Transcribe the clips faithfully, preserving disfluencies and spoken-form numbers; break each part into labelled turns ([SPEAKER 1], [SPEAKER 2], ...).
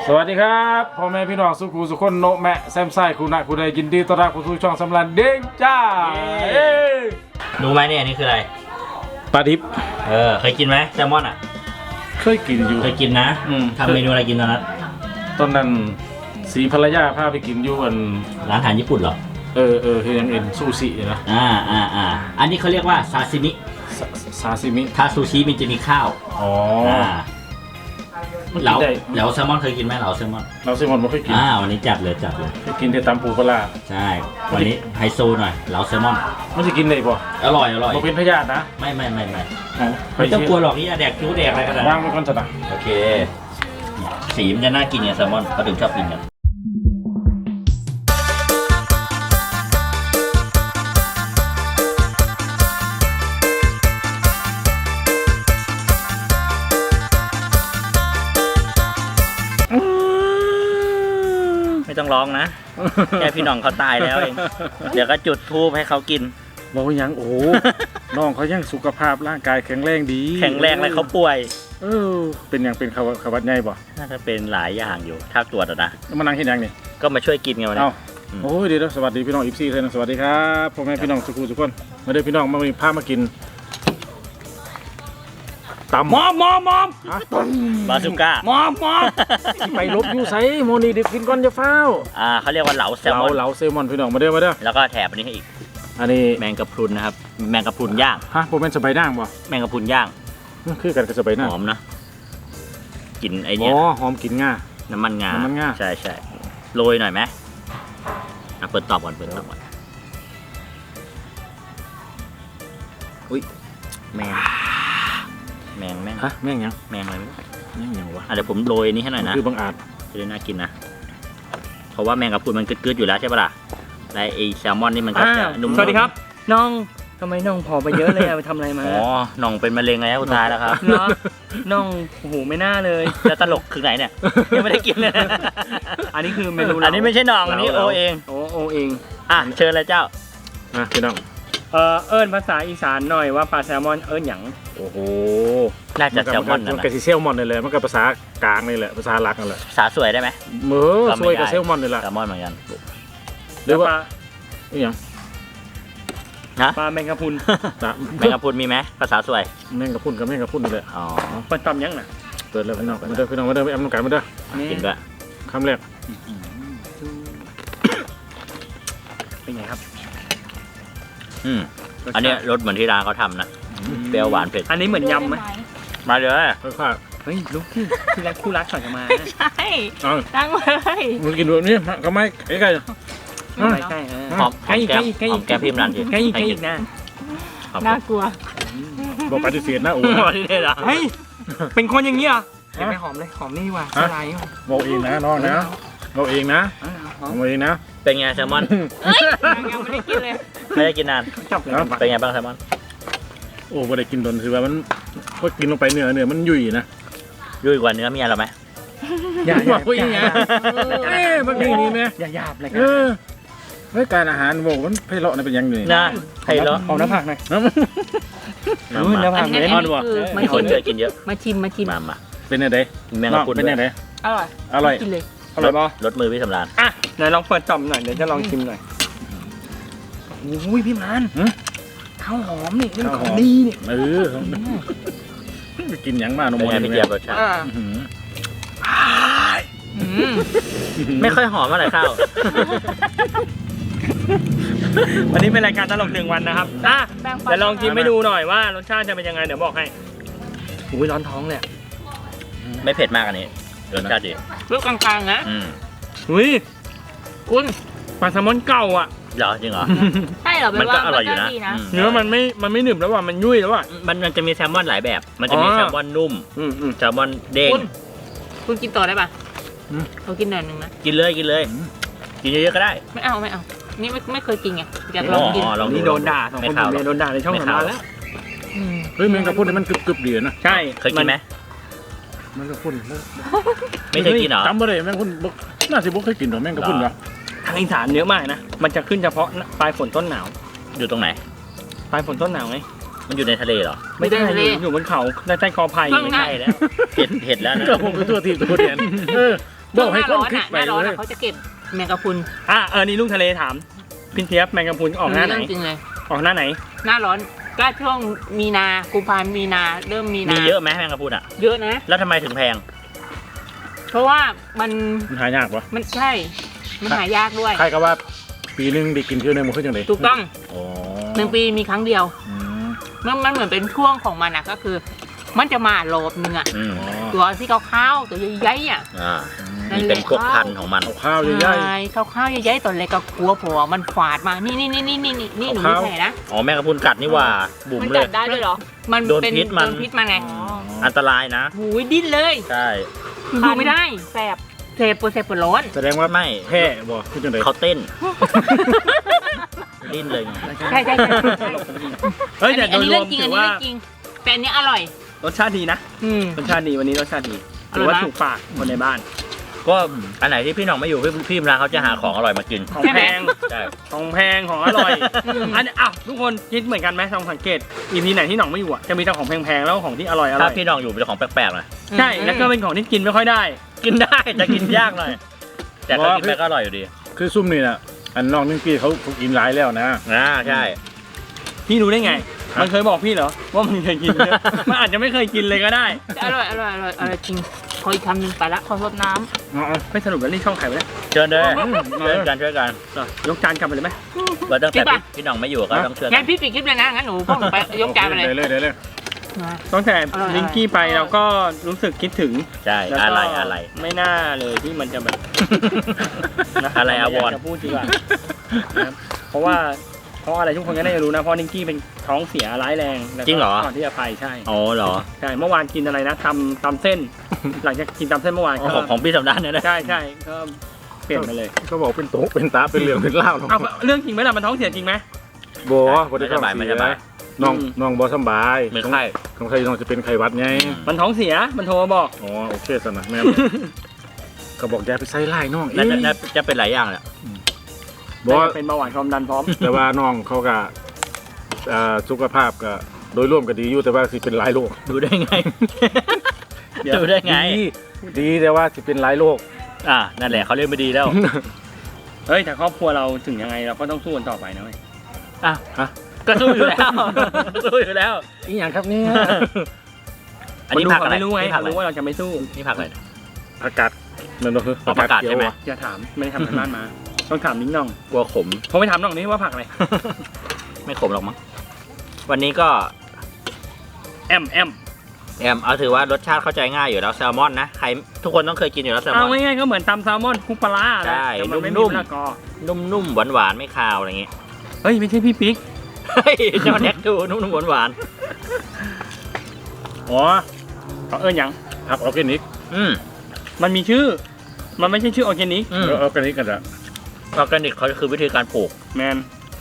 [SPEAKER 1] สวัสดีครับพ่อแม่พี่น้องสุขุสุขคนโนแมะแซมไซคุณนายคุณใดยินดีต้อนรับเข้าสู่ช่องสำรันเด้งจ้า
[SPEAKER 2] รู้ไหมเนี่ยนี่คืออะไร
[SPEAKER 1] ปลาดิบ
[SPEAKER 2] เออเคยกินไหมแซลมอนอ่ะ
[SPEAKER 1] เคยกินอยู่
[SPEAKER 2] เคยกินนะทำเมนูอะไรกินตอนนั้น
[SPEAKER 1] ตอนนั้นสีภรรยาพาไปกินอยู่อัน
[SPEAKER 2] ร้านอาหารญี่ปุ่นเหรอ
[SPEAKER 1] เออเออคือยังเอ็นซูชินะ
[SPEAKER 2] อ่าอ่าอ่าอันนี้เขาเรียกว่าซาซิมิ
[SPEAKER 1] ซาซิมิ
[SPEAKER 2] ถ้าซูชิมันจะมีข้าว
[SPEAKER 1] อ๋อ
[SPEAKER 2] เหลาเหลาแซลมอนเคยกินไหมเหลาแซลมอน
[SPEAKER 1] เราแซลมอนไม่เคยกิน
[SPEAKER 2] อ่าวันนี้จัดเลยจัดเลย
[SPEAKER 1] ไปกินแต่ตำปูปลา
[SPEAKER 2] ใช่วันนี้ไฮโซหน่อยเหลาแซลมอน
[SPEAKER 1] มันจะกินได้ป่ะ
[SPEAKER 2] อร่อยอร่อย
[SPEAKER 1] มันเป็นพยาธินะ
[SPEAKER 2] ไม่ไม่ไม่ไม่ไม่ต้องกลัวหรอกนี่แดกคิ้วแดกอะไรกันนะ
[SPEAKER 1] ว่างไว้ก่อนจะนะ
[SPEAKER 2] โอเคสีมันจะน่ากินไงแซลมอนเขาถึงชอบกินกันไม่ต้องร้องนะแค่พี่น้องเขาตายแล้วเองเดี๋ยวก็จุดธูปให้เขากิน
[SPEAKER 1] บอกยังโอ้น้องเขายังสุขภาพร่างกายแข็งแรงดี
[SPEAKER 2] แข็งแรงเลยเขาป่วย
[SPEAKER 1] เออเป็นอย่างเป็นขวัญขวัญใหญ่ป่ะ
[SPEAKER 2] น่าจะเป็นหลายอย่างอยู่ถ้าตรวจนะ
[SPEAKER 1] มานั่งที่ยังนี่
[SPEAKER 2] ก็มาช่วยกินไงวันนี้
[SPEAKER 1] โอ้ยดีแล้วสวัสดีพี่น้องอีฟซี่เลยนะสวัสดีครับพ่อแม่พี่น้องสุขุสุขคนมาเด้อพี่น้องมามีพามากินตำ
[SPEAKER 2] มอมมอมมอมบาซูก้าม
[SPEAKER 1] อมมอมไปลบอยู่ไซโมนีดิบกินก่อนจะเฝ้า
[SPEAKER 2] อ่าเขาเรียกว่าเหลาแซลมอน
[SPEAKER 1] เหลาแซลมอนพี่น้องมาเด้อมาเด้อ
[SPEAKER 2] แล้วก็แถบอันนี้ให้อีก
[SPEAKER 1] อันนี้
[SPEAKER 2] แมงกะพรุนนะครับแมงกะพรุนย่าง
[SPEAKER 1] ฮะโปรแมนสบายด่างป่ะ
[SPEAKER 2] แมงกะพรุนย่าง
[SPEAKER 1] คือกันกับสบายด่าง
[SPEAKER 2] หอมนะกลิ่นไอเนี้ย
[SPEAKER 1] อ๋อหอมกลิ่นง่า
[SPEAKER 2] น้ำมันงา
[SPEAKER 1] น้ำมันง่า
[SPEAKER 2] ใช่ใช่โรยหน่อยไหมอ่ะเปิดตอบก่อนเปิดตอบก่อนอุ้ยแมงแมงแมง
[SPEAKER 1] ฮะแมงยัง
[SPEAKER 2] แมงอะไรไม่รู้
[SPEAKER 1] แมงยังวะ
[SPEAKER 2] อ่ะเดี๋ยวผมโรยนี้ให้หน่อยนะ
[SPEAKER 1] คือบางอาจ
[SPEAKER 2] จะได้น่ากินนะเพราะว่าแมงกะพรุนมันกึดๆอยู่แล้วใช่ปะล่ะและไอแซลมอนนี่มันก็จะนุ่ม
[SPEAKER 3] สวัสดีครับน้องทำไมน้องผอมไปเยอะเลยไปทำอะไรมา
[SPEAKER 2] อ๋อน้องเป็นมะเร็งแล้วตายแล้วครับ
[SPEAKER 3] เนาะน้องโอ้โหไม่น่าเลย
[SPEAKER 2] จะตลกคือไหนเนี่ยยังไม่ได้กินเลย
[SPEAKER 3] อันนี้คือเมนู
[SPEAKER 2] อันนี้ไม่ใช่น้องอันนี้โอเอง
[SPEAKER 3] โอโอเอง
[SPEAKER 2] อ่ะเชิญเลยเจ้า
[SPEAKER 1] อ่ะพี่น้อง
[SPEAKER 3] เออเอิญภาษาอีสานหน่อยว่าปลาแซลมอนเอิญหยัง
[SPEAKER 1] โอ้โห
[SPEAKER 2] น่าจะแซลมอนนะ
[SPEAKER 1] มันก็แซลมอนเลยมันก็ภาษากลางนี่แหละภาษาหลักนั่นแหละ
[SPEAKER 2] ภาษาสวยได้ไหม
[SPEAKER 1] เมื่อสวยกับแซลมอนนี่แหละ
[SPEAKER 2] แซลมอนเหมือนกัน
[SPEAKER 1] หรือว่าอีหยัง
[SPEAKER 2] นะ
[SPEAKER 3] ปลาแมงกะพรุน
[SPEAKER 2] แมงกะพรุนมีไหมภาษาสวย
[SPEAKER 1] แมงกะพรุนกับแมงกะพรุนนี่แหละ
[SPEAKER 2] อ๋อ
[SPEAKER 3] เปิดตำยังน่ะ
[SPEAKER 1] เปิดเลยพี่น้องมาเด้อพี่น้องมาเด้อไปแอมน้ำไก่มาเด้อ
[SPEAKER 2] กินด้วย
[SPEAKER 1] คำแรก
[SPEAKER 3] เป็นไงครับ
[SPEAKER 2] อืมอันนี้รสเหมือนที่ร้านเขาทำนะเปรี้ยวหวานเผ็ด
[SPEAKER 3] อันนี้เหมือนยำไหม
[SPEAKER 2] มาเลย
[SPEAKER 1] ค่อยๆ
[SPEAKER 3] เฮ้ยลูกที่ที่รักคู่รักก่อนจะมา
[SPEAKER 4] ใช่ตั้งเลย
[SPEAKER 1] มันกินแบบนี้ก็ไม่ไอ้ไก่
[SPEAKER 3] ไม่ใช่
[SPEAKER 2] หอมแก้มหอมแก้มพิมพ์รันที
[SPEAKER 3] ใกล้ใกล้อีกนะ
[SPEAKER 4] น่ากลัว
[SPEAKER 1] บอกปฏิเสธนะโอ้
[SPEAKER 2] ยปฏิเสธเหรอ
[SPEAKER 3] เฮ้ยเป็นคนอย่างนี้อ่ะเห็นไหมหอมเลยหอมนี่ว่ะอะไร
[SPEAKER 1] บอกเองนะน้องนะบอกเองนะบอกเองนะ
[SPEAKER 2] เป็นไงแซลมอน
[SPEAKER 4] ยังไม่ได้กินเลย
[SPEAKER 2] ไม่ได้กินนาน
[SPEAKER 3] จบเลย
[SPEAKER 2] เป็นไงบ้างแซลมอน
[SPEAKER 1] โอ้ไม่ได้กินโดนคือว่ามันก็กินลงไปเนื้อเนื้อมันยุ่ยนะ
[SPEAKER 2] ยุ่ยกว่าเนื้อเมียเราไหม
[SPEAKER 3] อย่าอย่าอย่า
[SPEAKER 1] เอ้บางทีนี่ไหม
[SPEAKER 3] อย่าหยาบเลย
[SPEAKER 1] เออเฮ้ยการอาหารบอกมันไพเราะนี่เป็นยังไง
[SPEAKER 2] นะไพเราะ
[SPEAKER 3] เอาน้ำผักหน่อย
[SPEAKER 2] น้ำผัก
[SPEAKER 4] ไม่
[SPEAKER 2] อ่อนว่ะมีคนเจอกินเยอะ
[SPEAKER 4] มาชิมมาชิม
[SPEAKER 2] มามา
[SPEAKER 1] เป็นยังไง
[SPEAKER 2] แมงกะพรุน
[SPEAKER 1] เป็นยังไง
[SPEAKER 4] อร่อย
[SPEAKER 1] อร่อย
[SPEAKER 4] กินเลย
[SPEAKER 3] อร่อยป่ะ
[SPEAKER 2] รสมือพี่สำราญ
[SPEAKER 3] อ่ะไหนลองเปิดต่อมหน่อยเดี๋ยวจะลองชิมหน่อยอุ้ยพี่มันข้าวหอมนี่เรื่องของดีนี่
[SPEAKER 1] เออกินยังมานม
[SPEAKER 2] พี่เจี๊ยบรสชาติไม่ค่อยหอมอะไรข้าว
[SPEAKER 3] วันนี้เป็นรายการตลกหนึ่งวันนะครับอ่ะเดี๋ยวลองชิมให้ดูหน่อยว่ารสชาติจะเป็นยังไงเดี๋ยวบอกให้อุ้ยร้อนท้องเลย
[SPEAKER 2] ไม่เผ็ดมากอันนี้รสชาติดี
[SPEAKER 4] รสกลางๆนะ
[SPEAKER 3] อุ้ย
[SPEAKER 4] คุณ
[SPEAKER 3] ปลาแซลมอนเก่าอ่ะ
[SPEAKER 2] เหรอจริงเหรอ
[SPEAKER 4] ใช่เหรอ
[SPEAKER 2] มันก็อร่อยอยู่นะ
[SPEAKER 3] เนื้อมันไม่มันไม่หนึบแล้วว่ะมันยุ่ยแล้วว่ะ
[SPEAKER 2] มันมันจะมีแซลมอนหลายแบบมันจะมีแซลมอนนุ่มแซลมอนเด้ง
[SPEAKER 4] คุณกินต่อได้ป่ะเรากินหน่อยนึงนะ
[SPEAKER 2] กินเลยกินเลยกินเยอะๆก็ได้
[SPEAKER 4] ไม่เอาไม่เอานี่ไม่ไม่เคยกินไงอยากลองกิน
[SPEAKER 3] นี่โดนด่าสองคนโดนด่าในช่องสำราญแล้ว
[SPEAKER 1] เฮ้ยแมงกะพรุนมันกรึบๆดีนะ
[SPEAKER 3] ใช่
[SPEAKER 2] เคยกินไหม
[SPEAKER 1] แมงกะพรุน
[SPEAKER 2] ไม่เคยกินเหรอ
[SPEAKER 1] จำไม่ได้แมงกะพรุนน่าจะบุกเคยกินหรอแมงกะพรุนเหรอ
[SPEAKER 3] ทางอีสานเยอะมากนะมันจะขึ้นเฉพาะปลายฝนต้นหนาว
[SPEAKER 2] อยู่ตรงไหน
[SPEAKER 3] ปลายฝนต้นหนาวไง
[SPEAKER 2] มันอยู่ในทะเลเหรอ
[SPEAKER 3] ไม่ได้อยู่อยู่บนเขาใต้ใต้คอไผ่
[SPEAKER 2] ไม่ใช่แล้วเห็ดเห็ดแล้วนะ
[SPEAKER 1] ก็ผมไปตัวทีตัวเดียนเออบอกให้
[SPEAKER 4] ห
[SPEAKER 1] ค
[SPEAKER 4] น้าน ร้อน
[SPEAKER 1] คลิก
[SPEAKER 4] อ่ะห
[SPEAKER 1] ไป
[SPEAKER 4] น้าร้อน
[SPEAKER 1] เล
[SPEAKER 4] อ่ะ
[SPEAKER 1] ย
[SPEAKER 4] เขาจะเก็บแมงกะพรุน
[SPEAKER 3] อ่ะเออนี่ลุงทะเลถามพินเทียบแมงกะพรุนออกหน้าไหน
[SPEAKER 4] เรื่องจริงเลย
[SPEAKER 3] ออกหน้าไหน
[SPEAKER 4] หน้าร้อนก็ช่วงมีนากุมภาพันธ์มีนาเริ่มมีนา
[SPEAKER 2] มี
[SPEAKER 4] มี
[SPEAKER 2] เยอะไหมแมงกะพรุนอ่ะ
[SPEAKER 4] เยอะนะ
[SPEAKER 2] แล้วทำไมถึงแพง
[SPEAKER 4] เพราะว่ามัน
[SPEAKER 1] มันหายากปะ
[SPEAKER 4] มันใช่ มันหายากด้วย
[SPEAKER 1] ใครก็ว่าปีหนึงได้กินเที่ยวหนึงมันขึ้นยังไง
[SPEAKER 4] ถูกต้อง
[SPEAKER 1] อ๋อ
[SPEAKER 4] หนึ่งปีมีครั้งเดียว
[SPEAKER 1] อืม
[SPEAKER 4] มันมันเหมือนเป็นช่วงของมันอะก็คือ มันจะมาโหลบนึงอะ
[SPEAKER 2] อืม
[SPEAKER 1] อ๋อ
[SPEAKER 4] ตัวที่ขาวๆตัวใหญ่ๆอะ
[SPEAKER 2] อ่า
[SPEAKER 4] นั่น
[SPEAKER 2] นี่
[SPEAKER 4] แหละ
[SPEAKER 2] เป็นพวกพันธุ์ของมัน
[SPEAKER 1] เอาข้าวใหญ่
[SPEAKER 4] ใช่ขาวๆใหญ่ๆตัวเล็กก็กลัวผัวมันฝาดมานี่นี่นี่นี่นี่นี่หนูไม่
[SPEAKER 1] ขาวๆ
[SPEAKER 4] ใช่นะ
[SPEAKER 2] อ๋อแมงกะพรุนกัดนี่หว่า บุ๋ม
[SPEAKER 4] มัน
[SPEAKER 2] เล
[SPEAKER 4] กั
[SPEAKER 2] ย
[SPEAKER 4] ดได้ด้วยเหรอ มัน
[SPEAKER 2] โดน
[SPEAKER 4] เป็น
[SPEAKER 2] พิษมัน
[SPEAKER 4] โดนพิษมันไง
[SPEAKER 2] อันตรายนะ
[SPEAKER 4] หูยดิ้นเลย
[SPEAKER 2] ใช่
[SPEAKER 4] ดูไม่ได้แสบเสบปวดแสบปวดร้อน
[SPEAKER 1] แสดงว่า
[SPEAKER 2] ไม่
[SPEAKER 1] แพ้บ่ขึ้นยังไง
[SPEAKER 2] เขาเต้น ดิ้นเลยไง
[SPEAKER 4] ใช่ใช่ใช่ใช่
[SPEAKER 3] เฮ้ยแต่โด
[SPEAKER 4] อัน
[SPEAKER 3] ย
[SPEAKER 4] นี้
[SPEAKER 3] ร
[SPEAKER 4] เรื่
[SPEAKER 3] ว
[SPEAKER 4] อ
[SPEAKER 3] ม
[SPEAKER 4] งจริง
[SPEAKER 3] ถื
[SPEAKER 4] อัน
[SPEAKER 3] อ
[SPEAKER 4] นี้
[SPEAKER 3] ว่า
[SPEAKER 4] เรื่องจริงแต่อันนี้อร่อย
[SPEAKER 3] รสชาติดีนะ
[SPEAKER 4] อืม
[SPEAKER 3] รสชาติดีวันนี้รสชาติดี
[SPEAKER 4] อ
[SPEAKER 3] ถื
[SPEAKER 4] ร่
[SPEAKER 3] อ
[SPEAKER 4] อย
[SPEAKER 3] ว่า
[SPEAKER 4] ไหม
[SPEAKER 3] ถูกปากคนในบ้าน
[SPEAKER 2] ก็อันไหนที่พี่หน้องไม่อยู่พี่พี่มรางเขาจะหาของอร่อยมากิน
[SPEAKER 3] ของ
[SPEAKER 4] ใช่ไห
[SPEAKER 3] แพ
[SPEAKER 4] ม
[SPEAKER 3] ง
[SPEAKER 2] ใช่
[SPEAKER 3] ของแพงของอร่อย
[SPEAKER 4] อืม
[SPEAKER 3] อันนี้อ้าวทุกคนคิดเหมือนกันไหมลองสังเกตอีพีไหนที่หน่องไม่อยู่อ่ะจะมีแต่ของแพงๆแล้วก็ของที่อร่อยอร่
[SPEAKER 2] ถ้า
[SPEAKER 3] อย
[SPEAKER 2] พี่หน้องอยู่เป็นของแปลกๆหน่อย
[SPEAKER 3] ใช่แล้วก็เป็นของที่กินไม่ค่อยได้
[SPEAKER 2] กินได้แต่กินยากหน่อย แต่ก็กินไปก็อร่อยอยู่ดี
[SPEAKER 1] คือซุ่มนี่น่ะอันน้องนึงกี้เขาเขากินหลายแล้วนะ
[SPEAKER 2] อ่าใช่
[SPEAKER 3] พี่รู้ได้ไง มันเคยบอกพี่เหรอว่ามันเคยกินเนี่ยมันอาจจะไม่เคยกินเลยก็ได้
[SPEAKER 4] อร่อยอร่อยอร่อยอร่อยจริงขออีกคำหนึ่งไปละขอรดน้ำ
[SPEAKER 1] เอาเอา
[SPEAKER 3] ไม่สรุปแล้วนี่ช่องไข่ไปแล้ว
[SPEAKER 2] เชิญเลย
[SPEAKER 1] อืม
[SPEAKER 2] ช่วยกันช่วยกัน
[SPEAKER 3] ยกจานกลับไปเลยไหม
[SPEAKER 2] ว่าตั้งแต่
[SPEAKER 4] จริงปะ
[SPEAKER 2] พี่พี่หน้องไม่อยู่ก็ต้องช่วยกั
[SPEAKER 4] งั้
[SPEAKER 2] น
[SPEAKER 4] นพี่ปิดคลิปเลยนะงั้นหนูพ่อหนูไปยกจานไปเลย
[SPEAKER 1] ได้เลยได้เลย
[SPEAKER 4] มา
[SPEAKER 3] ตั้งแต่
[SPEAKER 4] อร่อย
[SPEAKER 3] ลิงกี้ไปเราก็รู้สึกคิดถึง
[SPEAKER 2] ใช่
[SPEAKER 3] แล้ว
[SPEAKER 2] อะ
[SPEAKER 3] ก็
[SPEAKER 2] ไรอะไร
[SPEAKER 3] ไม่น่าเลยที่มันจะแบบ น
[SPEAKER 2] อะไรอาวรณ์
[SPEAKER 3] จะพูดดีกว่านะครับเพราะว่าเพราะอะไรทุกคนก็น่าจะรู้นะเพราะลิงกี้เป็นท้องเสียร้ายแรงแล้วก็
[SPEAKER 2] จริงเหรอ
[SPEAKER 3] ก่อนที่จะไปใช่
[SPEAKER 2] อ๋อเหรอ
[SPEAKER 3] ใช่เมื่อวานกินอะไรนะตำตำเส้น หลังจากกินตำเส้นเมื่อวาน
[SPEAKER 2] อ๋อ
[SPEAKER 3] ก็
[SPEAKER 2] ของของพี่สำนักเนี่ยนะ
[SPEAKER 3] ใช่ใช่ก็เปลี่ยนไปเลย
[SPEAKER 1] เขาบอกเป็นโต๊ะเป็นตาเป็นเหลืองเป็นเล่าว
[SPEAKER 3] เอาเรื่องจริงไหมล่ะมันท้องเสียจริงไหม
[SPEAKER 1] บ่บ่ได้
[SPEAKER 2] ไม่สบายไม่สบาย
[SPEAKER 1] น้อง
[SPEAKER 3] อืม
[SPEAKER 1] น้องบ่สำบาย
[SPEAKER 2] เหมือนไข้
[SPEAKER 1] ของใครน้องจะเป็นไข้หวัดไง
[SPEAKER 3] มันท้องเสียมันโทรมาบอก
[SPEAKER 1] อ๋อโอเคสนะแม่นก็บอกอย่าไปใส่ไล่น้องอี
[SPEAKER 2] น่าจะน่าจะเป็นหลายอย่างแหละ
[SPEAKER 1] บ่
[SPEAKER 3] เป็นเบาหวานความดันพร้อม
[SPEAKER 1] แต่ว่าน้องเขาก็อ่าสุขภาพก็โดยรวมก็ดีอยู่แต่ว่าสิเป็นหลายโรค
[SPEAKER 2] ดูได้ไง
[SPEAKER 3] เดี๋ยว
[SPEAKER 2] ดูได้ไง
[SPEAKER 1] ดีดีแต่ว่าสิเป็นหลายโรค
[SPEAKER 2] อ่านั่นแหละเขาเรียกไม่ดีแล้ว
[SPEAKER 3] เฮ้ยแต่ครอบครัวเราถึงยังไงเราก็ต้องสู้กันต่อไปนะเว้ย
[SPEAKER 2] อ่ะ
[SPEAKER 1] ฮะ
[SPEAKER 2] ก็สู้อยู่แล้ว สู้อยู่แล้ว
[SPEAKER 1] อีหยังครับเนี่ย
[SPEAKER 2] อันนี้
[SPEAKER 3] ค
[SPEAKER 2] ผัก
[SPEAKER 3] เขา
[SPEAKER 2] อะไร
[SPEAKER 3] ไม่รู้ไง
[SPEAKER 2] นี่ผัก
[SPEAKER 3] เขา
[SPEAKER 2] อะไร
[SPEAKER 3] รู้ว่าเราจะไม่สู้
[SPEAKER 2] นี่ผักอะไร
[SPEAKER 1] ผักกาดนั่นบ่คือ
[SPEAKER 2] อ๋อผักกาดใช่ไหม
[SPEAKER 1] เขียวอะ
[SPEAKER 3] อย่าถามไม่ได้ทำกันบ้านมา ต้องถามนิ้งน่อง
[SPEAKER 2] กลัวขม
[SPEAKER 3] ผมไปถามน้องนี่ว่าผักอะไร
[SPEAKER 2] ไม่ขมหรอกมั้งวันนี้ก็
[SPEAKER 3] แอมแอม
[SPEAKER 2] แอมเอาถือว่ารสชาติเข้าใจง่ายอยู่แล้วแซลมอนนะใครทุกคนต้องเคยกินอยู่แล้วแซลม
[SPEAKER 3] เอา
[SPEAKER 2] อน
[SPEAKER 3] ง่ายๆก็เหมือนตำแซลมอนคลุกปลาร้า
[SPEAKER 2] ใช่
[SPEAKER 3] แต่มันไม่
[SPEAKER 2] นุ่
[SPEAKER 3] มี
[SPEAKER 2] มๆ
[SPEAKER 3] มะละกอ
[SPEAKER 2] นุ่มๆหวานๆไม่คาวอะไรอย่างงี้
[SPEAKER 3] เฮ้ยไม่ใช่พี่ปิ๊ก
[SPEAKER 2] เฮ้ยเจ้าแน็กดูนุ่มๆหวาน
[SPEAKER 1] อ๋อ
[SPEAKER 3] เขาเอิ้นหยัง
[SPEAKER 1] ผักออร์แกนิก
[SPEAKER 2] ๆอืม
[SPEAKER 3] มันมีชื่อ มันไม่ใช่ชื่อออร์แกนิก
[SPEAKER 2] อืม
[SPEAKER 1] เออออร์แกนิกกันละ
[SPEAKER 2] ออร์แกนิกเขาคือวิธีการปลูก
[SPEAKER 3] แมน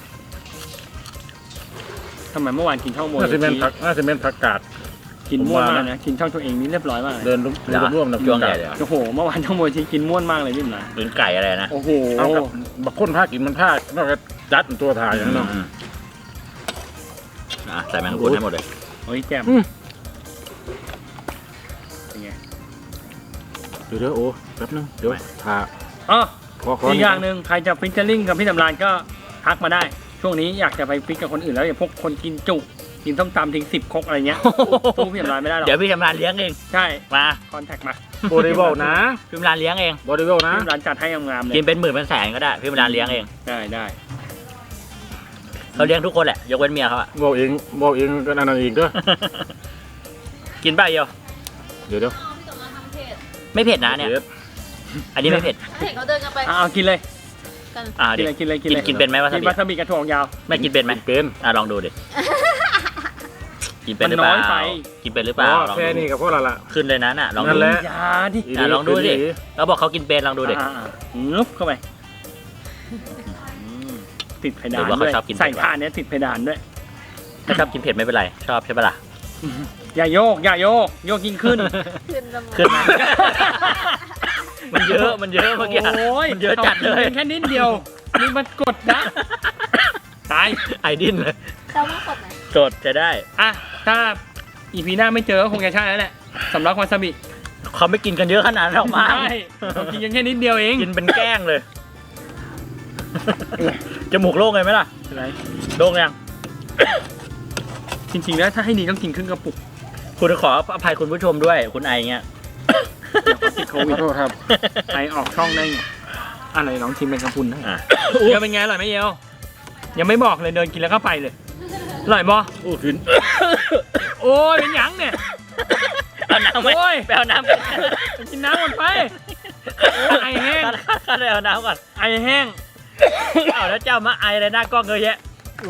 [SPEAKER 3] ทำไมเมื่อวานกินช่องโม
[SPEAKER 1] น่าจะเป็นผักน่าจะเป็นผักกาด
[SPEAKER 3] กินม่วน
[SPEAKER 1] ผมว่า
[SPEAKER 3] มากนะกินช่องตัวเองนี่เรียบร้อยมากเลย
[SPEAKER 1] เดินร่วมเดินร่วมนะ
[SPEAKER 2] ช่วงใหญ่เลยอะ
[SPEAKER 3] โอ้โหเมื่อวานช่องโมชีกินม่วนมากเลยพี่หมนะ
[SPEAKER 2] หรือไก่อะไรนะ
[SPEAKER 3] โอ้โห
[SPEAKER 1] เอากับบักคนผ้ากินมันผ้านอกจากจัดตัวถ่ายอย่างนั้นเนาะ
[SPEAKER 2] อืมอ่ะใส่แมงกะพรุนให้หมดเลย
[SPEAKER 3] โอ้ยแจ่ม
[SPEAKER 1] อืม
[SPEAKER 3] เป็นไง
[SPEAKER 1] เดี๋ยวเดี๋ยวโอ้แป๊บนึงเดี๋ยวถ่า
[SPEAKER 3] อ๋อ
[SPEAKER 1] ขอขอ
[SPEAKER 3] อีกอย่าง
[SPEAKER 1] ด
[SPEAKER 3] หนึ่งใครจะฟิชเชอร์ลิงกับพี่สำรานก็ทักมาได้ ช่วงนี้อยากจะไปฟิชกับคนอื่นแล้วอย่าพวกคนกินจุกินส้มตำทิ้งสิบครกอะไรเงี้ยสู้พี่สำรานไม่ได้หรอก
[SPEAKER 2] เดี๋ยวพี่ชำนาญเลี้ยงเอง
[SPEAKER 3] ใช่
[SPEAKER 2] มา
[SPEAKER 3] คอนแทคมา
[SPEAKER 1] โบริเบิลนะ
[SPEAKER 2] พี่ชำนาญเลี้ยงเอง
[SPEAKER 1] บริเบิลนะ
[SPEAKER 3] พี่สำรานจัดให้งามๆเลย
[SPEAKER 2] กินเป็นหมื่นเป็นแสนก็ได้พี่ชำนาญเลี้ยงเอง
[SPEAKER 3] ได้ได้
[SPEAKER 2] เขาเลี้ยงทุกคนแหละยกเว้นเมียเขาอะ
[SPEAKER 1] บอกเองบอกเองก็นั่นเองเด้อ
[SPEAKER 2] กินไปเดียว
[SPEAKER 1] เดี๋ยวเดี๋ยว
[SPEAKER 2] ไม่เผ็ดนะเนี่ย
[SPEAKER 1] ดี๋ว
[SPEAKER 2] อันนี้ไม่เผ็ด
[SPEAKER 5] เห็นเขาเดินกันไป
[SPEAKER 3] อ่ะเอากินเลย
[SPEAKER 5] กัน
[SPEAKER 2] อ่า
[SPEAKER 3] กิ
[SPEAKER 2] ดิ
[SPEAKER 3] นเลยกินเลยกินเลย
[SPEAKER 2] กินเป็นไหมวาซาบิ
[SPEAKER 3] กินวาซาบิกระถั่วงยาว
[SPEAKER 2] ไม่กินเป็นไหม
[SPEAKER 1] เป็น
[SPEAKER 2] อ่ะลองดูดิกินเป็นหรือเป
[SPEAKER 3] มัน
[SPEAKER 2] ล่า
[SPEAKER 3] น้อยไป
[SPEAKER 2] กินเป็นหรือเป
[SPEAKER 1] อ๋
[SPEAKER 2] ล่า
[SPEAKER 1] อ
[SPEAKER 2] ลอง
[SPEAKER 1] แค่
[SPEAKER 2] ดู
[SPEAKER 1] นี้ก็พอและละ
[SPEAKER 2] ขึ้นเลยนะน่ะลอง
[SPEAKER 1] นั่
[SPEAKER 2] ดู
[SPEAKER 1] นแหละ
[SPEAKER 3] อยาดิ
[SPEAKER 2] อ่ะลองดูดิ เราบอกเขากินเป็นลองดูดิ
[SPEAKER 3] อ่าๆงึบเข้าไป
[SPEAKER 2] อืม
[SPEAKER 3] ติดเพ
[SPEAKER 2] หรื
[SPEAKER 3] ดาน
[SPEAKER 2] อว่าเขา
[SPEAKER 3] ด้วย
[SPEAKER 2] ชอบกิน
[SPEAKER 3] ใส่
[SPEAKER 2] เผ็ด
[SPEAKER 3] ผ่านเนี้ยติดเพดานด้วย
[SPEAKER 2] ถ้าชอบกินเผ็ดไม่เป็นไร ชอบใช่ปะล่ะ
[SPEAKER 3] อย่าโยก อย่าโยก โยกยิ่งขึ้น
[SPEAKER 5] ขึ้นสมอง
[SPEAKER 2] ขึ้นมา มันเยอะมันเยอะเมื่อกี้
[SPEAKER 3] โอ้ย
[SPEAKER 2] มันเยอะจัดเลย
[SPEAKER 3] แค่นิดเดียว นี่มันกดนะ ตาย
[SPEAKER 2] ไอดิ้นเลย
[SPEAKER 5] แซลมอนสดไหม
[SPEAKER 2] สดจะได้
[SPEAKER 3] อ่ะ ถ้าอีพีหน้าไม่เจอก็คงจะใช่แล้วแหละสำลักวาซาบิ
[SPEAKER 2] คเขาไม่กินกันเยอะขนาดนั้นหรอกมั้ง
[SPEAKER 3] ใช่เรากินกันแค่นิดเดียวเอง
[SPEAKER 2] กินเป็นแกล้งเลย จมูกโล่งเลยไหมล่ะ
[SPEAKER 3] อะไร
[SPEAKER 2] โล่งยัง
[SPEAKER 3] จริงๆแล้วถ้าให้ดีต้องกินครึ่งกระปุก
[SPEAKER 2] คุณขออภัยคุณผู้ชมด้วย คุณไอเงี้ย
[SPEAKER 3] ติดโค
[SPEAKER 1] ข
[SPEAKER 3] วิ
[SPEAKER 1] อ
[SPEAKER 3] ด
[SPEAKER 1] โทษครับ
[SPEAKER 3] ไอออกช่องได้ไงอะไรลองชิมเป็นกระพุนนะ
[SPEAKER 2] อ่ะ
[SPEAKER 3] เดี๋ยวเป็นไงอร่อยไหมเยลยังไม่บอกเลยเดินกินแล้วก็ไปเลยอร่อยบ่
[SPEAKER 1] โอ้ขึ้น
[SPEAKER 3] โอ้ยเป็นหยังเนี่ย
[SPEAKER 2] เอาน้ำไหม
[SPEAKER 3] โอ้ย
[SPEAKER 2] ไปเอาน้ำ
[SPEAKER 3] กินน้ำก่อนไปโอ้ยไอแห้ง
[SPEAKER 2] ข้าเลยเอาน้ำก่อน
[SPEAKER 3] ไอแห้ง
[SPEAKER 2] เอาแล้วเจ้ามาไออะไรหน้ากล้องเยอะแยะ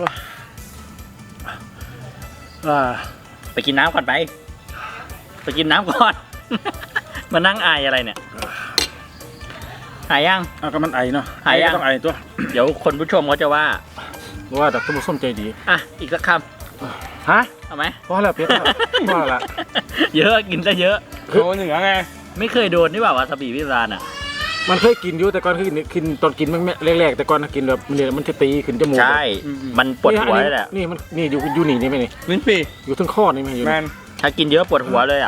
[SPEAKER 1] อ่า
[SPEAKER 2] ไปกินน้ำก่อนไป ไปกินน้ำก่อน มานั่งไออะไรเนี่ย หายยัง
[SPEAKER 1] เอาก็มันไอเนาะ
[SPEAKER 2] หายยัง
[SPEAKER 1] ก็ต้องไอตัว
[SPEAKER 2] เดี๋ยวคนผู้ชมเขาจะว่า
[SPEAKER 1] ว่าดักต้มส้มใจดี
[SPEAKER 2] อ่ะ อีกสักค
[SPEAKER 1] ฮะ
[SPEAKER 2] ำเอาไหม
[SPEAKER 1] พอแล้วเพี้ยนแล้วพอละ
[SPEAKER 2] เยอะกินซะเยอะ
[SPEAKER 3] โคเหนือไง
[SPEAKER 2] ไม่เคยโดนนี่เปล่าวาซาบิพิซานอ่ะ
[SPEAKER 1] มันเคยกินอยู่แต่ก่อนคือกินตอนกินมันแรกๆแต่ก่อนกินแบบมันเนี่ยมันจะตีขึ้นจมูก
[SPEAKER 2] ใช่ มันปวดหัว
[SPEAKER 1] นี่
[SPEAKER 2] เลยแหละ
[SPEAKER 1] นี่มันนี่อยู่อยู่นี่นี่ไหมนี่
[SPEAKER 3] ลิ้นปี
[SPEAKER 1] อยู่ทั้งข้อนี่ไหมอยู่
[SPEAKER 3] แม
[SPEAKER 1] นี่
[SPEAKER 3] น
[SPEAKER 2] ถ้ากินเยอะปวดหัวเลยอ่ะ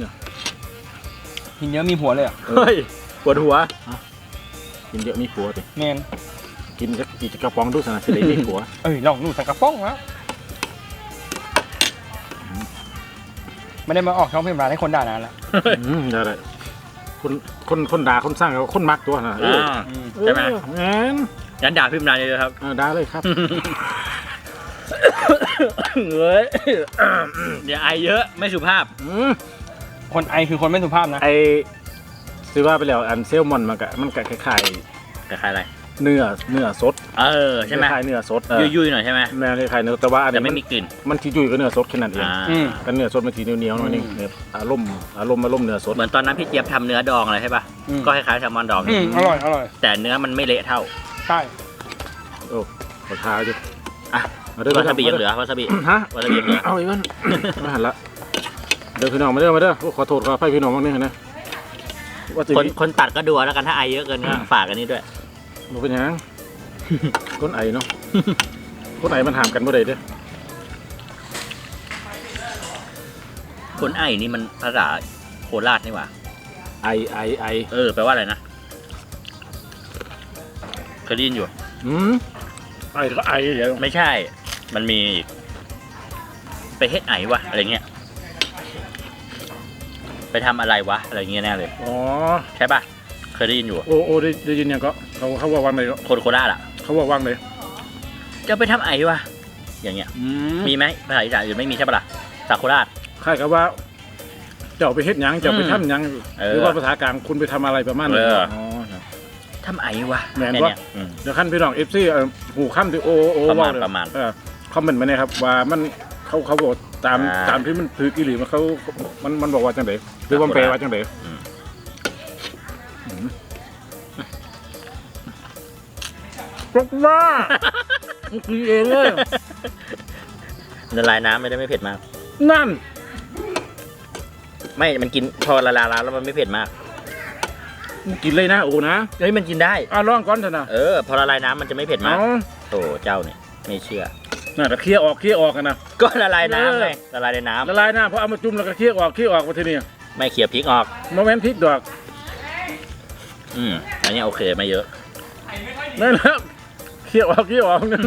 [SPEAKER 3] กินเยอะมีผัวเลยอ่ะ
[SPEAKER 2] เฮ้ย ปวดหัว
[SPEAKER 1] กินเยอะมีผัวติ
[SPEAKER 3] แมน
[SPEAKER 1] กินสักกี่กระป๋องดูสนะสิได้มีผัว
[SPEAKER 3] เอ้ยลองดูสังกระป๋องแล้วไม่ได้มาออกช่องเพลงร้านให้คนด่านานละ
[SPEAKER 1] อืมได้เลยคนคนคนด่าคนสร้างเขาคนมักตัวนะเออ
[SPEAKER 2] อ่า ใช่ไหม
[SPEAKER 1] เอองั้น
[SPEAKER 2] งั้นด่าพิมพ์นานเลยครับ
[SPEAKER 1] เออได้เลยครับ
[SPEAKER 2] เฮ้ยอย่าไอเยอะไม่สุภาพ
[SPEAKER 1] อืม
[SPEAKER 3] คนไอคือคนไม่สุภาพนะ
[SPEAKER 1] ไอซื้อว่าไปแล้วอันเซลมอนมันก็มันก็คล้าย
[SPEAKER 2] คล้ายๆอะไร
[SPEAKER 1] ๆเนื้อเนื้อสด
[SPEAKER 2] เออ ใช่ไหม
[SPEAKER 1] คล้ายๆเนื้อสดเออ
[SPEAKER 2] ยุ่ยๆหน่อยใช่ไหม
[SPEAKER 1] แม่คล้ายๆเนื้อแต่ว่าอัน
[SPEAKER 2] แต่
[SPEAKER 1] นี้
[SPEAKER 2] ไม่
[SPEAKER 1] มัน
[SPEAKER 2] มีกลิ่น
[SPEAKER 1] มันที่ยุ่ยก็เนื้อสดแค่นั้นเอง
[SPEAKER 2] อ่า
[SPEAKER 3] อืม
[SPEAKER 1] กันเนื้อสดมันทีเหนียวๆหน่อยนึงเนี่ยอารมณ์อารมณ์อารมณ์เนื้อสด
[SPEAKER 2] เหมือนตอนนั้นพี่เจี๊ยบทำเนื้อดองอะไรใช่ป่ะ
[SPEAKER 3] อืม
[SPEAKER 2] ก็คล้ายๆแซลมอนดอง
[SPEAKER 3] อืมอร่อยอร่อย
[SPEAKER 2] แต่เนื้อมันไม่เละเท่า
[SPEAKER 3] ใช่
[SPEAKER 1] โอ้ขอทาอยู่
[SPEAKER 2] อ่ะ
[SPEAKER 1] มาเด้อ
[SPEAKER 2] วาซาบิยังเหลือวาซาบิ
[SPEAKER 1] ฮะ
[SPEAKER 2] วาซาบิยังเหลือ
[SPEAKER 1] เอาอีกมันไม่หันละเดี๋ยวพี่น้องมาเด้อมาเด้อโอ้ขอโทษขออภัยพี่น้องบ้างนี่นะว่าจะ
[SPEAKER 2] คนคนตัดก็ดูเอาแล้วกันถ้าไอเยอะเกินก็ฝากกันนี่ด้วย
[SPEAKER 1] มันเป็นหยังคนไอเนาะคนไอมันหามกันบ่ได้เด้อ
[SPEAKER 2] คนไอนี่มันภาษาโคราชนี่หว่า
[SPEAKER 1] ไอไอไอ
[SPEAKER 2] เออแปลว่าอะไรนะเคยได้ยินอยู่
[SPEAKER 1] อืมไอก็ไอเดี๋ยว
[SPEAKER 2] ไม่ใช่ มันมีอีกไปเฮ็ดไอวะอะไรเงี้ย ไปทำอะไรวะอะไรเงี้ยแน่เลย
[SPEAKER 1] อ๋อ
[SPEAKER 2] ใช่ป่ะ เคยได้ยินอยู่
[SPEAKER 1] โอโอได้ได้ยินยังก็เขาเขาว่าวันไหนก็
[SPEAKER 2] คนโคราชอ่ะ
[SPEAKER 1] เขาว่าว่างเลย
[SPEAKER 2] จะไปทำไอวะอย่างเงี้ย
[SPEAKER 1] อืม
[SPEAKER 2] มีไหมภาษาอีสานอื่นไม่มีใช่ปะล่ะสาโคราช
[SPEAKER 1] คล้ายกับว่า เจ้าไปเฮ็ดหยังเจ้าไป
[SPEAKER 2] อืม
[SPEAKER 1] ทำหยัง
[SPEAKER 2] เออ
[SPEAKER 1] หรือว่าภาษากลางคุณไปทำอะไรประมาณนั้น
[SPEAKER 2] เออ
[SPEAKER 1] อ๋อครับ
[SPEAKER 2] ทำไอวะ
[SPEAKER 1] แม่น
[SPEAKER 2] ค่
[SPEAKER 1] วะ
[SPEAKER 2] เนี้ยอืม
[SPEAKER 1] เดี๋ยวขั้นพี่น้องเอฟซีหูข้ามที่โอโอ
[SPEAKER 2] ประมาณ
[SPEAKER 1] ว่เลย
[SPEAKER 2] ประมาณ
[SPEAKER 1] เออคอมเมนต์มาเนี่ยครับว่ามันเขาเขาบอกตาม
[SPEAKER 2] อ่า
[SPEAKER 1] ตามที่มันถือกิริมันเขามันมันบอกว่าจังไดหรือว่ามันแปลว่าจังได
[SPEAKER 2] อืม
[SPEAKER 1] ปรบว่ามันคือเองเลย
[SPEAKER 2] ละลายน้ำไม่ได้ไม่เผ็ดมาก
[SPEAKER 1] นั่น
[SPEAKER 2] ไม่ มันกินพอละลายน้ำแล้วมันไม่เผ็ดมาก
[SPEAKER 1] มึงกินเลยนะโอ้นะ
[SPEAKER 2] เฮ้ยมันกินได้
[SPEAKER 1] อ่ะลองก่อนเถอะนะ
[SPEAKER 2] เออ พอละลายน้ำมันจะไม่เผ็ดมาก
[SPEAKER 1] เอา
[SPEAKER 2] โถเจ้าเนี่ยไม่เชื่อ
[SPEAKER 1] น่าจะเคี่ยวออกเคี่ยวออกกันนะ
[SPEAKER 2] ก็ละลายน้ำไง
[SPEAKER 1] เออ
[SPEAKER 2] ละลายในน้ำ
[SPEAKER 1] ละลายหน้าเพราะเอามาจุ่มแล้วก็เคี่ยวออกเคี่ยวออกมาทีนี้
[SPEAKER 2] ไม่เขี่ยพริกออก
[SPEAKER 1] โมเมนต์พริกดอก
[SPEAKER 2] อืมอันนี้โอเคไม่เยอะ
[SPEAKER 1] นั่นแหละเคี่ยวออกเคี่ยวออกนั่น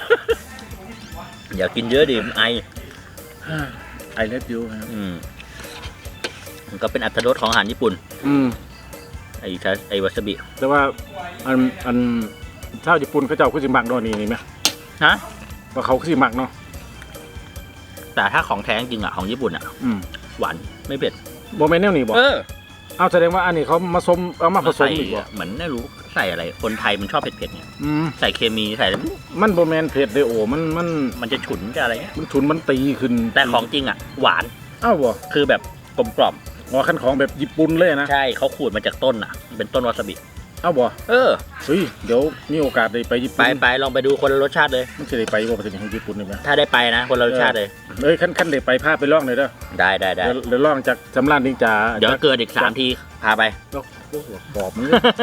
[SPEAKER 2] อย่ากินเยอะดิมันไอ
[SPEAKER 1] ไอเล็ดยูครับ
[SPEAKER 2] อืมมันก็เป็นอัตรรสของอาหารญี่ปุ่น
[SPEAKER 1] อืม
[SPEAKER 2] ไอ้ชาไอ้วาซาบิ
[SPEAKER 1] แต่ว่าอันอันชาวญี่ปุ่นเขาเจ้าคือสิมักเนาะนี่นี่ไหม
[SPEAKER 2] ฮะ
[SPEAKER 1] ว่าเขาคือสิมักเนาะ
[SPEAKER 2] แต่ถ้าของแท้จริงอ่ะของญี่ปุ่นอ่ะ
[SPEAKER 1] อืม
[SPEAKER 2] หวานไม่เผ็ด
[SPEAKER 1] โมเมนต์แนวนี้บอก
[SPEAKER 2] เออ
[SPEAKER 1] เอาแสดงว่าอันนี้เขามาสมเอามาผสม
[SPEAKER 2] ใส่
[SPEAKER 1] อีกบ่
[SPEAKER 2] เหมือนไม่รู้ใส่อะไร คนไทยมันชอบเผ็ดๆเนี่ย
[SPEAKER 1] อืม
[SPEAKER 2] ใส่เคมีใส่อะไร
[SPEAKER 1] มันโมเมนต์เผ็ดเลยโอ้มันมัน
[SPEAKER 2] มันจะฉุนจะอะไรเงี้ย
[SPEAKER 1] มันฉุนมันตีขึ้น
[SPEAKER 2] แต่ของจริงอ่ะ หวาน
[SPEAKER 1] อ้าวบ่
[SPEAKER 2] คือแบบกลมกล่อม
[SPEAKER 1] อ๋อขั้นของแบบญี่ปุ่นเลยนะ
[SPEAKER 2] ใช่เขาขูดมาจากต้นอ่ะ เป็นต้นวาซาบิ
[SPEAKER 1] อ้าวบ่
[SPEAKER 2] เออ
[SPEAKER 1] เฮ้ยเดี๋ยวมีโอกาสได้ไปญี่
[SPEAKER 2] ไป
[SPEAKER 1] ปุ่น
[SPEAKER 2] ไปลองไปดูคนละรสชาติเลย
[SPEAKER 1] มันจะได้ไปบ่ประเทศของญี่ปุ่นนี่ไหม
[SPEAKER 2] ถ้าได้ไปนะ คนละรสชาติเลย
[SPEAKER 1] เอ้ยขั้นขั้นได้ไปพาไปลองหน่อยเด้อ
[SPEAKER 2] ได้ได้ได้
[SPEAKER 1] เดี๋ยวเดี๋ยวลองจากสำรานนิงจา
[SPEAKER 2] เดี๋ยวเกิดอีกสามทีพาไป
[SPEAKER 1] แล้วโอ้โหปอบมัน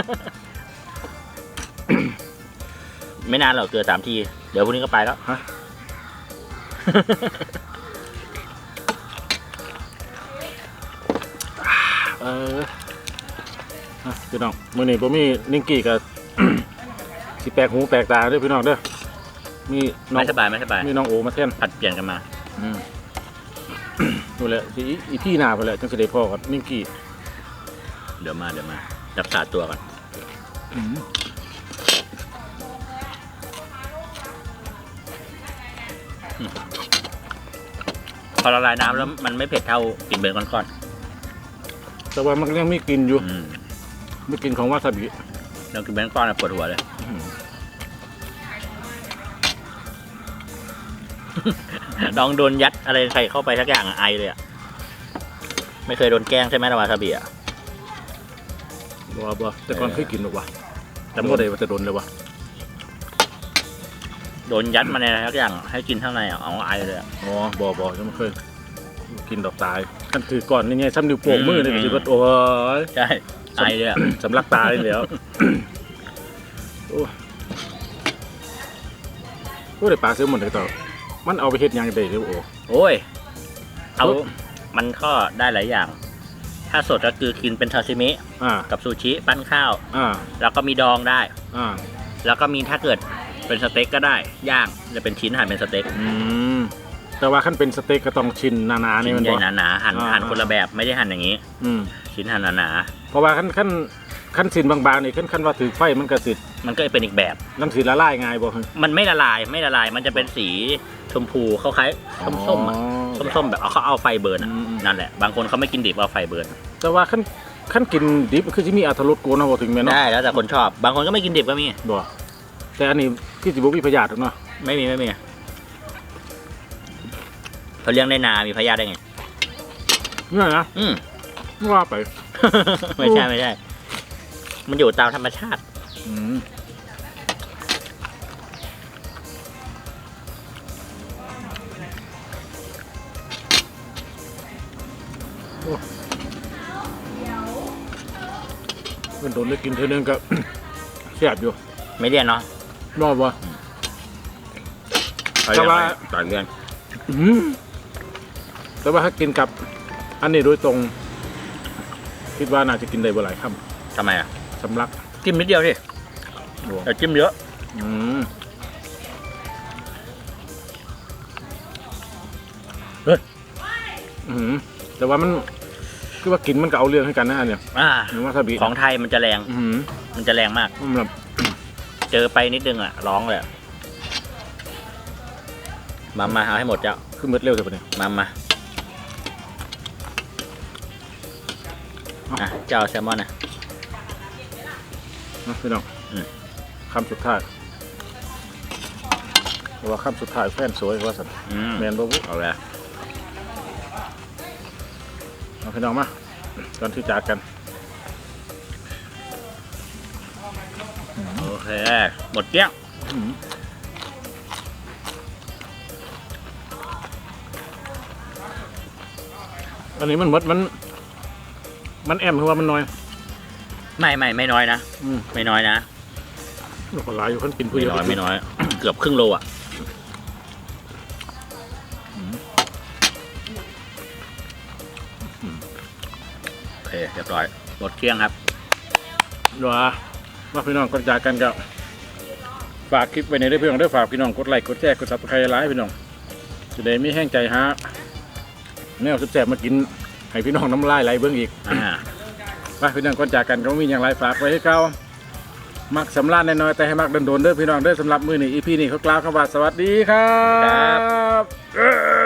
[SPEAKER 2] ไม่นานหรอกเกิดสามที เดี๋ยวพรุ่งนี้ก็ไปแล้ว
[SPEAKER 1] ฮะ อเอออ่ะพี่น้องมื้อนี้บ่มีนิงกี้กับ สิแปลกหูแปลกตาเด้อพี่น้องเด้อมีน้อง
[SPEAKER 2] ไม่สบายไม่สบาย
[SPEAKER 1] มีน้องโอมาแทน
[SPEAKER 2] ผัดเปลี่ยนกันมา
[SPEAKER 1] อืม ดูแลสิอีพี่หน้าไปแหละจังสิได้พ่อกับนิงกี้
[SPEAKER 2] เดี๋ยวมาเดี๋ยวมารักษาตัวก่อน
[SPEAKER 1] อืม
[SPEAKER 2] พอละลายน้ำแล้วมันไม่เผ็ดเท่ากินเบนก้อน
[SPEAKER 1] แต่ว่ามันก็ยังมีกลิ่นอยู่
[SPEAKER 2] ๆอืม
[SPEAKER 1] มีกลิ่นของวาซาบิ
[SPEAKER 2] เรากินเบนก้อนปวดหัวเลย
[SPEAKER 1] อืม
[SPEAKER 2] ลองโดนยัดอะไรใส่เข้าไปสักอย่างอะไอเลยอ่ะไม่เคยโดนแกล้งใช่ไหมระวาซาบิอ่ะ
[SPEAKER 1] บ่บ่แต่ก่อนเคยกินหรอกวะจำบ่ได้ว่าจะโดนเลยวะ
[SPEAKER 2] โดนยัดมาในอะไรสักอย่างให้กินข้างในอ่ะเอาไอเลยอะ
[SPEAKER 1] อ๋อบ่บ่ยังไม่เคยกินดอกตายกันถือก่อนนี่ไงซ้ำนิ้วโป้งมือนี่ก็สิว่าโอ้ย
[SPEAKER 2] ใช่ไอเลยอ่ะ
[SPEAKER 1] สำลักตายแล้ว โอ้โอ้ได้ปลาซื้อหมดเลยต่อมันเอาไปเฮ็ดหยังได้เด้อโอ้
[SPEAKER 2] โอ้ยเอามันก็ได้หลายอย่าง ถ้าสดก็คือกินเป็นซาซิมิ
[SPEAKER 1] อ่า
[SPEAKER 2] กับซูชิปั้นข้าว
[SPEAKER 1] อ่า
[SPEAKER 2] แล้วก็มีดองได้
[SPEAKER 1] อ่า
[SPEAKER 2] แล้วก็มีถ้าเกิดเป็นสเต็กก็ได้ย่างจะเป็นชิ้นหั่นเป็นสเต็ก
[SPEAKER 1] อืมแต่ว่าขั้นเป็นสเต็กก็ต้องชิ้นหนาๆนี่
[SPEAKER 2] ชิ้น
[SPEAKER 1] มัน
[SPEAKER 2] ใหญ่
[SPEAKER 1] บ่
[SPEAKER 2] หนาๆหั่น
[SPEAKER 1] อ่า
[SPEAKER 2] หั่นคนละแบบไม่ได้หั่นอย่างนี้
[SPEAKER 1] อืม
[SPEAKER 2] ชิ้นหั่นหนา
[SPEAKER 1] เพราะว่าขั้นขั้นขั้นชิ้นบางๆนี่ขั้นขั้นว่าถือไฟมันก็สิ
[SPEAKER 2] ๆมันก็เป็นอีกแบบ
[SPEAKER 1] มันสิละลายง่ายบ่ฮะ
[SPEAKER 2] มันไม่ละลายไม่ละลายมันจะเป็นสีชมพูเขาคล้ายส้มๆอ่ะ
[SPEAKER 1] อ๋อ
[SPEAKER 2] ส้มๆแบบเอาเขาเอาไฟเบิร์นอ่ะ
[SPEAKER 1] อืม
[SPEAKER 2] นั่นแหละบางคนเขาไม่กินดิบเอาไฟเบิร์น
[SPEAKER 1] แต่ว่าขั้นขั้นกินดิบคือสิมีอรรถรสโกนเอาบ่ถึงแม่นเนาะ
[SPEAKER 2] ได้แล้วแต่คนชอบ บางคนก็ไม่กินดิบก็มี
[SPEAKER 1] บ่แต่อันนี้คือสิบ่มีพยาธิหรอกเนาะ
[SPEAKER 2] ไม่มีไม่มีเขาเลี้ยงในนา มีพยาธิได้ไง
[SPEAKER 1] เนี่ยนะ
[SPEAKER 2] อืม
[SPEAKER 1] ว่าไป
[SPEAKER 2] ไม่ใช่ไม่ใช่ มันอยู่ตามธรรมชาติ
[SPEAKER 1] อืมโอ้มันโดนได้กินเท่านึงก็ แซ่บอยู่
[SPEAKER 2] ไม่เรียนเนาะ
[SPEAKER 1] รอบวะ แต่ว่า
[SPEAKER 2] ต่อยเรียน
[SPEAKER 1] อืมแต่ว่าถ้ากินกับ อันนี้โดยตรง คิดว่าน่าจะกินได้บ่หลายค
[SPEAKER 2] ทำไมอ่ะ
[SPEAKER 1] ำสำลัก
[SPEAKER 2] จิ้มนิดเดียวสิ
[SPEAKER 1] โอ้
[SPEAKER 2] แต่จิ้มเยอะ
[SPEAKER 1] อืมเฮ้ยอืมแต่ว่ามันคือว่ากินมันก็เอาเรื่องให้กันนะอันเนี่ย
[SPEAKER 2] อ่า
[SPEAKER 1] หรือว่าซาบิ
[SPEAKER 2] ของไทยมันจะแรง
[SPEAKER 1] อืม
[SPEAKER 2] มันจะแรงมาก
[SPEAKER 1] มันแบบ
[SPEAKER 2] เจอไปนิดนึงอ่ะ ร้องเลยอะมามาเอาให้หมดเจ้า
[SPEAKER 1] คือมืดเร็วแต่ปะเนี่ย
[SPEAKER 2] มามาอ่ะเจ้าแซลมอนนะ
[SPEAKER 1] นะพี่น้อง
[SPEAKER 2] อืม
[SPEAKER 1] คำสุดท้ายเพราะว่าคำสุดท้ายแฟนสวยว่าสัน
[SPEAKER 2] อืม
[SPEAKER 1] แมนบ่บุ
[SPEAKER 2] เอาเลย
[SPEAKER 1] เอาพี่น้องมาก่อนที่จากกัน
[SPEAKER 2] โอเค หมดเกลี้ยง
[SPEAKER 1] อืมอันนี้มันหมดมัน มันแอมคือว่ามันน้อย
[SPEAKER 2] ไม่ไม่ไม่น้อยนะ
[SPEAKER 1] อืม
[SPEAKER 2] ไม่น้อยนะ
[SPEAKER 1] มันก็หลายอยู่คนกินผู้
[SPEAKER 2] ไม่
[SPEAKER 1] เดียว
[SPEAKER 2] น้อยไม่น้อย เกือบครึ่งโลอ่ะโอเคเรียบร้อยหมดเกลี้ยงครับ
[SPEAKER 1] เดี๋ยวว่าพี่น้องก่อนจากกันก็ฝากคลิปไว้ในเรื่องพี่น้องด้วยฝากพี่น้องกดไลค์กดแชร์กดซับสไครต์ไลค์พี่น้องจะได้ไม่แห้งใจฮะแนวแซ่บๆมากินให้พี่น้องน้ำลายไหลเบิ้งอีก
[SPEAKER 2] อ่า
[SPEAKER 1] ไปพี่น้องก่อนจากกันก็มีอย่างไรฝากไว้ให้เก่ามักสำราญน้อยๆแต่ให้มักโดนๆเด้อพี่น้องเด้อสำหรับมือนี้อีพีนี้เขากล่าวคำว่าสวัสดีครับ